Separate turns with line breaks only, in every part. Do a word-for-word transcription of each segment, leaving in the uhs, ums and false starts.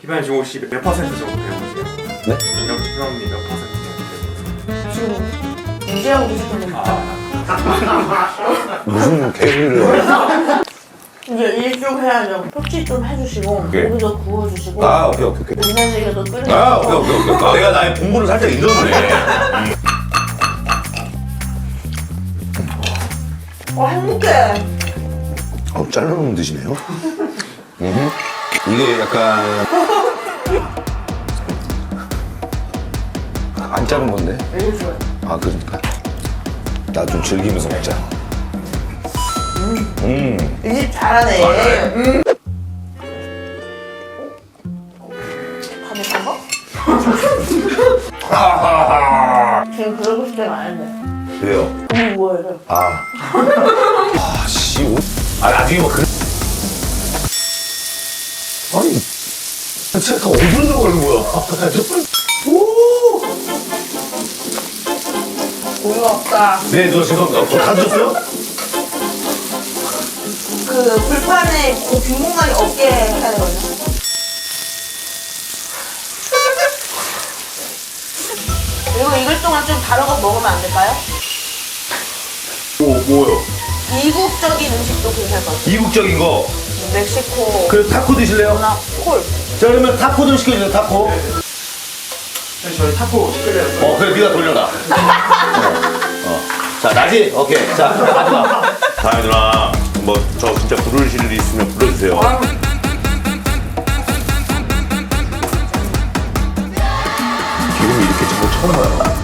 희망 지금 혹시 몇 퍼센트 정도 배우세요?
네?
희망이 몇 퍼센트 정도 배우세요?
지금 문제하고 계시는 거
아,
무슨 개소리를
이제 일 좀 해야죠. 토치 좀 해주시고
네.
고기도 구워주시고
아 오케이 오케이 오케이
된장찌개도 끓여주시고
아 오케이 오케이 오케이 내가 나의 본분을 살짝 잊었네.
어 행복해.
어 잘라놓으면 드시네요. 음. 이게 약간 안 자른 건데?
이게 좋아요.
아 그러니까 나 좀 즐기면서 먹자. 음.
이 집 잘하네. 음. 밥에 먹어?
하하하.
지금 그러고 싶을 때가 아닌데.
왜요?
고기 구워야 돼.
아. 아 씨. 옷? 아 나중에 뭐 그래. 아니. 제가 어디로 들어가는 거야? 아, 저 빨리. 오.
고기가 없다.
네, 너 죄송합니다. 어, 다 드셨어요?
그 불판에 그 빈 공간이 없게 해야 되거든요. 이거 익을 동안 좀 다른 거 먹으면 안 될까요?
뭐, 뭐요?
이국적인 음식도 괜찮을 것 같아요.
이국적인 거.
멕시코,
그 타코 드실래요?
나 콜.
자, 그러면 타코 좀 시켜주세요, 타코.
저희 타코 끓여서
어, 그래, 네가 돌려라. 어. 어. 자, 나지? 오케이. 자, 가져가. 다혜 누나, 뭐, 저 진짜 부르실 일이 있으면 불러주세요. 기름이 이렇게 자꾸 처음 봐요.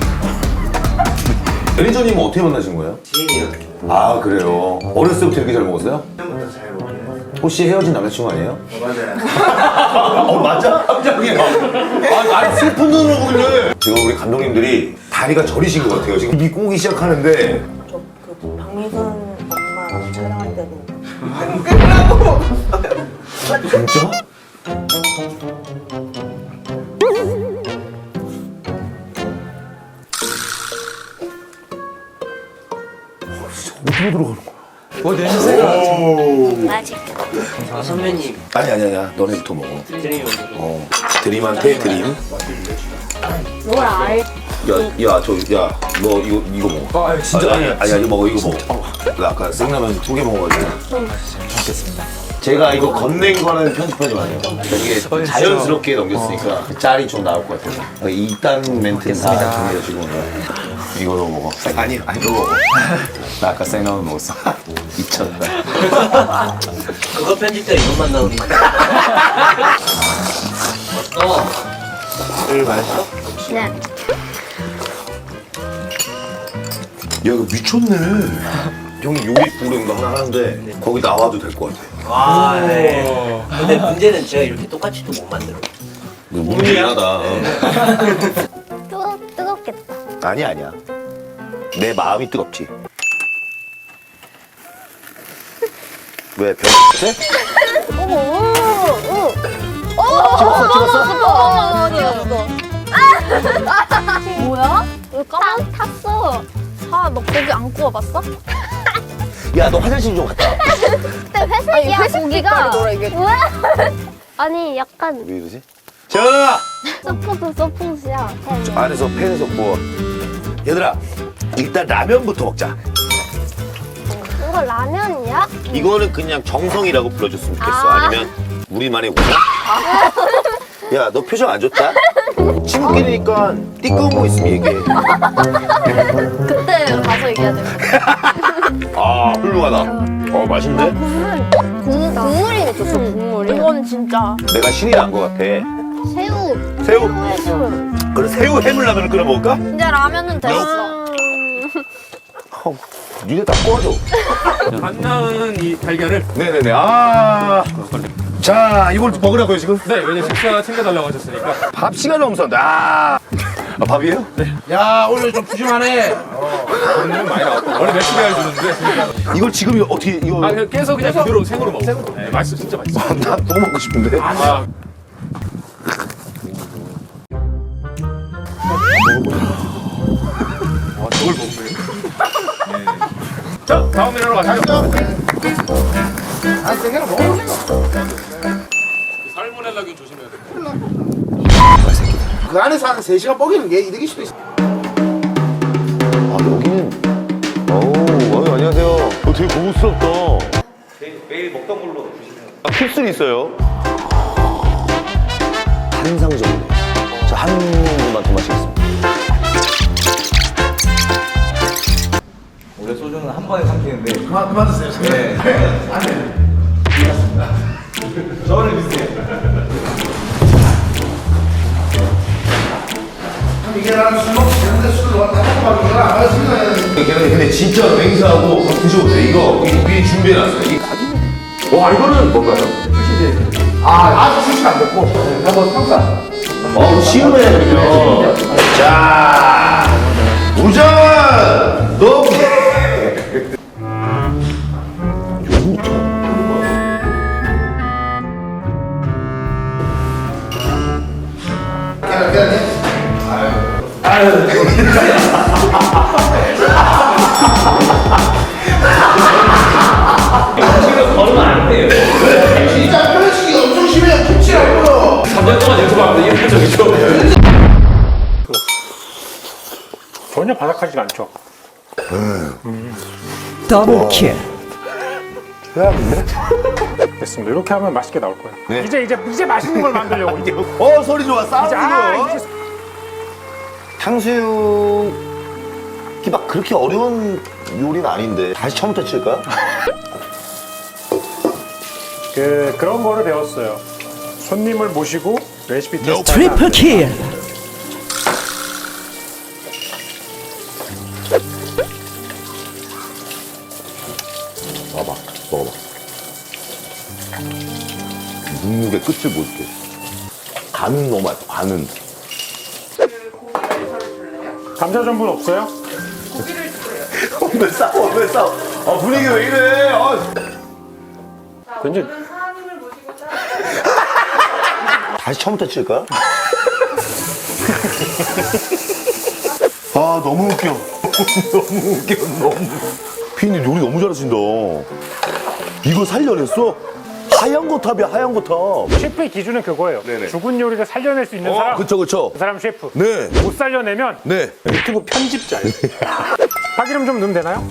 매니저님은 어떻게 만나신 거예요?
지인이요.
아, 그래요. 어렸을 때부터 이렇게 잘 먹었어요?
처음부터 잘 먹어요.
혹시 헤어진 남자친구 아니에요?
어, 맞아요.
어, 맞아? 갑자기. 아, 아니, 슬픈 눈으로 보길래. 지금 우리 감독님들이 다리가 저리신 것 같아요. 지금 입 꼬기 시작하는데.
저그 박미선 엄마랑 촬영할 때도 끝나고
진짜? 어디로 들어가는 거야?
뭐 냄새가.
맛있겠다.
아, 선배님.
아니 아니 아니야. 너네부터 먹어.
드림이
어. 드림한테 드림.
뭘 알?
야, 야, 저, 야, 너 이거 이거 먹어.
아, 진짜
아니, 아니, 아니, 먹어, 이거 먹어. 나 아까 생라면 두 개 먹어가지고. 먹겠습니다. 제가 이거 건넨 거는 편집하지 마세요. 이게 자연스럽게 넘겼으니까 짤이 좀 나올 것 같아서. 이딴 멘트는 다 정리해주시고. 이거로 먹어. 아니, 아니, 이거 먹어. 나 아까 생라면 먹었어. 미쳤다.
그거 편집 때 이것만 나오니. 어.
술 맛있어?
네.
야, 이거 미쳤네. 형이 요리 프로그램 거 하나 하는데 거기 나와도 될 것 같아.
아, 네. 근데 문제는 제가 이렇게 똑같이 또 못 만들어.
무리하다.
뜨거 뜨겁겠다.
아니 아니야. 내 마음이 뜨겁지. 왜 별? 네?
어머, 오, 오.
찍었어, 찍었어?
어머, 찍었어. 뭐야? 왜 까만 탔어? 아, 너 고기 안 구워봤어?
야, 너 화장실 좀 갔다 와.
근데 회색이야, 고기가. 뭐야? 아니, 약간
왜 이러지? 자,
서포트 서포트야.
안에서 팬에서 구워. 얘들아, 일단 라면부터 먹자.
이거 라면이야?
이거는 그냥 정성이라고 불러줬으면 좋겠어.
아.
아니면 우리만의 오자? 야, 너 표정 안 좋다? 친구끼리니까 띠꺼운 거 있으면 얘기해.
그때 가서 얘기해야 돼.
아, 훌륭하다. 어, 맛있는데?
국물, 국물이 미쳤어, 국물이. 이건 진짜.
내가 신이 난 거 같아.
새우.
새우?
새우.
그럼 새우 해물라면을 끓여 먹을까?
이제 라면은 됐어.
어, 니네 다 꺼줘.
안 나은 이 달걀을.
네네네. 아. 자, 이걸 먹으라고요, 지금?
네, 왜냐면 식사 챙겨달라고 하셨으니까.
밥 시간이 없었는데. 아. 아, 밥이에요? 네.
야, 오늘 좀 푸짐하네. 어, 돈은 많이 나왔고. 원래 몇십 개를 주는데.
이걸 지금 이거 어떻게, 이거.
아, 그냥 깨서 그냥 그대로 생으로 먹어. 네, 맛있어, 진짜 맛있어.
난 너무 먹고 싶은데.
아, 와, 저걸 먹네. 자, 다음 메뉴로 가시죠. 아, 생으로 먹어. 살모넬라 살라긴 조심해야 돼.
그 안에서 한 세 시간 뻐기는 게 이득일 수도 있어.
아 여기는 어우 어, 안녕하세요. 어, 되게 고급스럽다.
매일, 매일 먹던 걸로 주시면.
아, 킵슬이 있어요. 한상적이네. 저 한 분만 더 마시겠습니다.
원래 소주는 한 번에 삼키는데.
그만 그만 드세요.
네.
저를 믿으세요. 이게 나는 술 먹고 되는데 술을 다 먹고 가는 거야. 아, 지금.
근데 진짜 맹세하고 한번 드셔보세요. 이거 미리 준비해놨어요. 이게 가지고. 와 이거는 뭔가요?
아, 아직 출시 안 됐고. 한번 평가.
어 쉬우네 그러면. 자 우전 너.
걸으면 안 돼요.
진짜 편식이 엄청 심해요. 김치라고요.
삼 년 동안 유튜브 하는데 이런 적이죠.
전혀 바삭하지가 않죠.
더블킬.
됐습니다. 이렇게 하면 맛있게 나올 거예요.
네.
이제 이제 이제 맛있는 걸 만들려고 이제.
어 소리 좋아
이제 아
싸우는
이제
탕수육이 막 그렇게 어려운 요리는 아닌데 다시 처음부터 칠까요?
그 그런 거를 배웠어요. 손님을 모시고 레시피 테스트.
트리플킬.
봐봐 먹어봐. 눅눅의 끝을 보여줄게. 간은 너무 맛있어. 간은.
감자 전분 없어요?
왜 싸워 왜 싸워. 아 분위기 왜 이래. 아.
굉장히
다시 처음부터 칠까요? 아 너무 웃겨. 너무 웃겨 너무. 피디님 요리 너무 잘하신다. 이거 살려냈어? 하얀 거탑이야 하얀 거탑.
셰프의 기준은 그거예요.
네네.
죽은 요리를 살려낼 수 있는
어
사람.
그쵸 그쵸.
그 사람 셰프.
네.
못 살려내면
네.
유튜브 편집자예요. 파기름 좀 넣으면 되나요?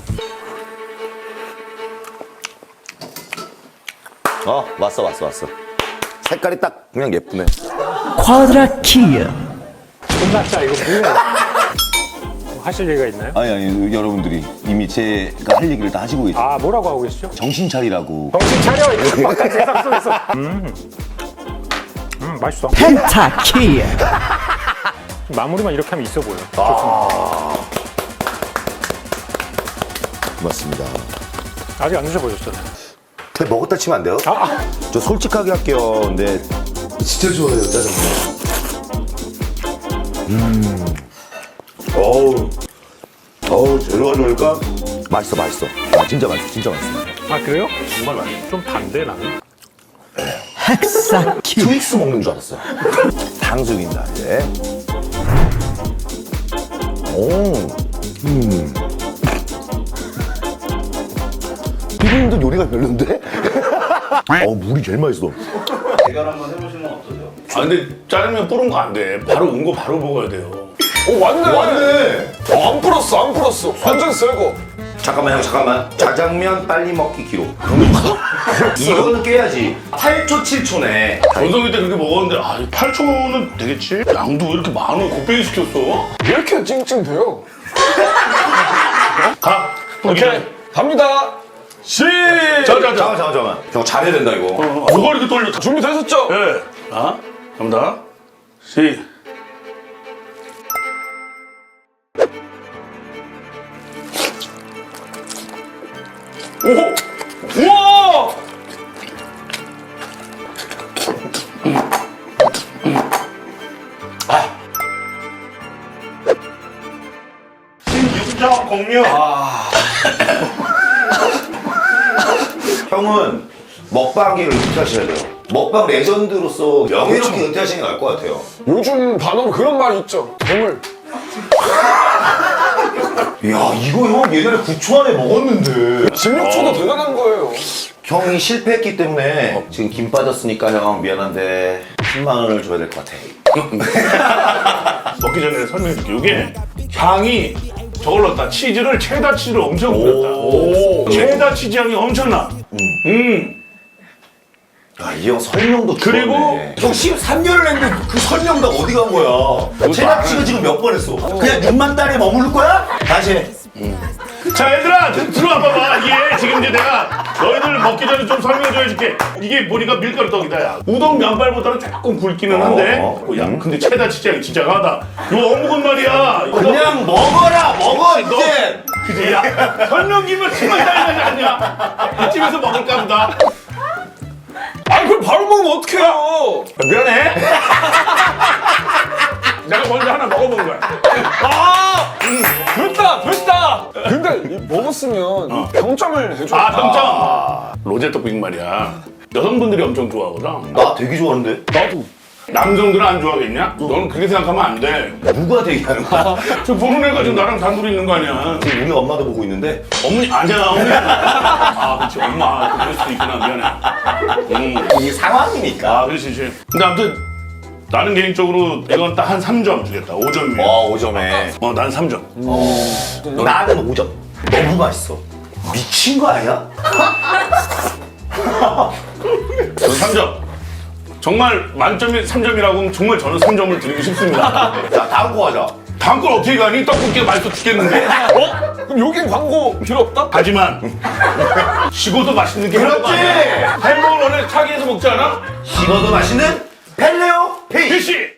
어 왔어 왔어 왔어. 색깔이 딱 그냥 예쁘네.
쿼드라킬.
끝났다 이거 뭐야? 뭐 하실 얘기가 있나요?
아니 아니 여러분들이 이미 제가 할 얘기를 다 하시고 계세요.
아 뭐라고 하고 계시죠?
정신 차리라고.
정신 차려 이거 바깥 세상 속에서. 음, 음 맛있어.
펜타킬.
마무리만 이렇게 하면 있어 보여.
고맙습니다.
아직 안 드셔보셨잖아요.
근데 먹었다 치면 안 돼요?
아, 아.
저 솔직하게 할게요. 근데 진짜 좋아해요 짜장면. 음. 어우. 어우 재료가 좋으니까 맛있어 맛있어. 아 진짜 맛있어 진짜 맛있어.
아 그래요? 정말 맛있어. 좀 반대 나는.
헥사킬.
트윅스 먹는 줄 알았어요. 탕수육입니다 이제. 오. 음. 피디님도 요리가 별론데? 어 물이 제일 맛있어.
대결 한번 해보시면 어떠세요?
아 근데 짜장면 뿌른 거 안 돼. 바로 온 거 바로 먹어야 돼요.
오 왔네.
왔네.
어, 안 풀었어 안 풀었어. 완전 새거.
잠깐만 형 잠깐만. 짜장면 빨리 먹기 기록. 이거는 깨야지. 팔 초 칠 초네.
전성기 때 그렇게 먹었는데 아 팔 초는 되겠지? 양도 왜 이렇게 많아? 곱빼기 시켰어?
왜 이렇게 찡찡대요?
가.
오케이 갑니다. 시.
자자자.
잠깐만 잠깐만 잠깐만. 형 잘해야 된다 이거.
뭐가 이렇게 떨려?
준비되셨죠?
예. 자 갑니다. 시.
오. 우와.
신육정 공유.
형은 먹방계를 은퇴하셔야 돼요. 먹방 레전드로서 명예롭게 은퇴하시는 게 나을 것 같아요.
요즘 반응 그런 말이 있죠. 괴물.
이야 이거 형 예전에 구 초 안에 먹었는데.
십육 초도 대단한 거예요.
형이 실패했기 때문에 지금 김 빠졌으니까 형 미안한데 십만 원을 줘야 될 것 같아.
먹기 전에 설명해줄게. 이게 향이 저걸 넣었다. 치즈를 체다 치즈를 엄청 뿌렸다. 체다 치즈 향이 엄청나. 음.
야, 이 형 설명도
그리고
좋네. 형 십삼 년을 했는데 그 설명 다 어디 간 거야? 체납치가 지금 몇 번 했어? 그냥 육만 달에 머무를 거야? 다시 해.
자, 얘들아, 들- 들어와 봐봐. 이게 지금 이제 내가 너희들 먹기 전에 좀 설명 좀 해줄게. 이게 보니까 밀가루 떡이다, 야. 우동 면발보다는 조금 굵기는 한데.
어,
어, 야, 근데 체다 치즈 향이 진짜 강하다. 이거 어묵은 말이야. 이거
그냥 먹어라, 먹어,
너-
이제!
그지? 야, 설명기면 심하게 달라지 않냐? 이 집에서 먹을까 보다.
아 그걸 바로 먹으면 어떡해요?
미안해. 내가 먼저 하나 먹어본 거야.
아 됐다 됐다. 근데 이 먹었으면 평점을 해줘.
아, 평점. 로제 떡볶이 말이야. 여성분들이 엄청 좋아하거든.
나 되게 좋아하는데?
나도.
남성들은 안 좋아하겠냐? 너는 그렇게 생각하면 안 돼.
누가 되게 하는 거야?
저 보는 애가 지금 나랑 단둘이 있는 거 아니야?
지금 우리 엄마도 보고 있는데?
어머니, 아니야, 어머니. 아, 그렇지. 엄마. 그럴 수도 있구나. 미안해. 음.
이게 상황이니까.
아, 그렇지, 그렇지. 근데 아무튼 나는 개인적으로 이건 딱 한 삼 점 주겠다. 오 점이야.
어, 오 점에.
어, 난 삼 점.
나는 오 점. 너무 맛있어. 미친 거 아니야?
전 삼 점. 정말 만점이 삼 점이라고 하면 정말 저는 삼 점을 드리고 싶습니다.
자, 다음 거 하자.
다음 걸 어떻게 가니? 떡볶이가 맛있어 죽겠는데?
어? 그럼 여긴 광고 필요 없다?
하지만 식어도 맛있는 게
그렇지!
햄버거 원래 차게에서 먹지 않아?
식어도 맛있는 펠레오 피쉬!
피쉬!